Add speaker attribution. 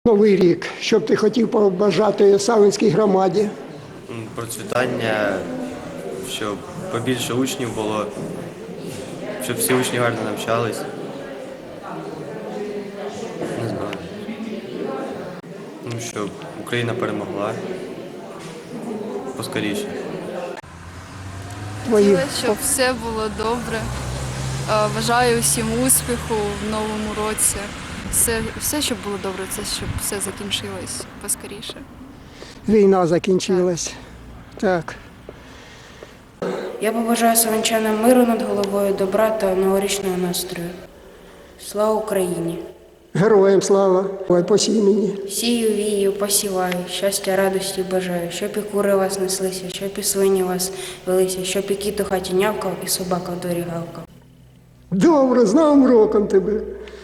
Speaker 1: Новий рік, що б ти хотів побажати Савинській громаді?
Speaker 2: Процвітання, щоб побільше учнів було, щоб всі учні гарно навчались. Не знаю. Щоб Україна перемогла поскоріше.
Speaker 1: Твої
Speaker 3: Хотіла, щоб все було добре. Бажаю усім успіху в новому році. Все, щоб було добре, це щоб все закінчилось поскоріше.
Speaker 1: війна закінчилась. Так.
Speaker 4: Я побажаю савинчанам миру над головою, добра та новорічного настрою. Слава Україні!
Speaker 1: Героям слава. Ой, посій мені.
Speaker 4: Сію, вію, посіваю, щастя, радості бажаю, щоб і кури вас неслися, щоб і свині вас велися, щоб і кіт у хаті нявкав, і собака в дворі гавкав.
Speaker 1: Добре, з Новим роком тебе.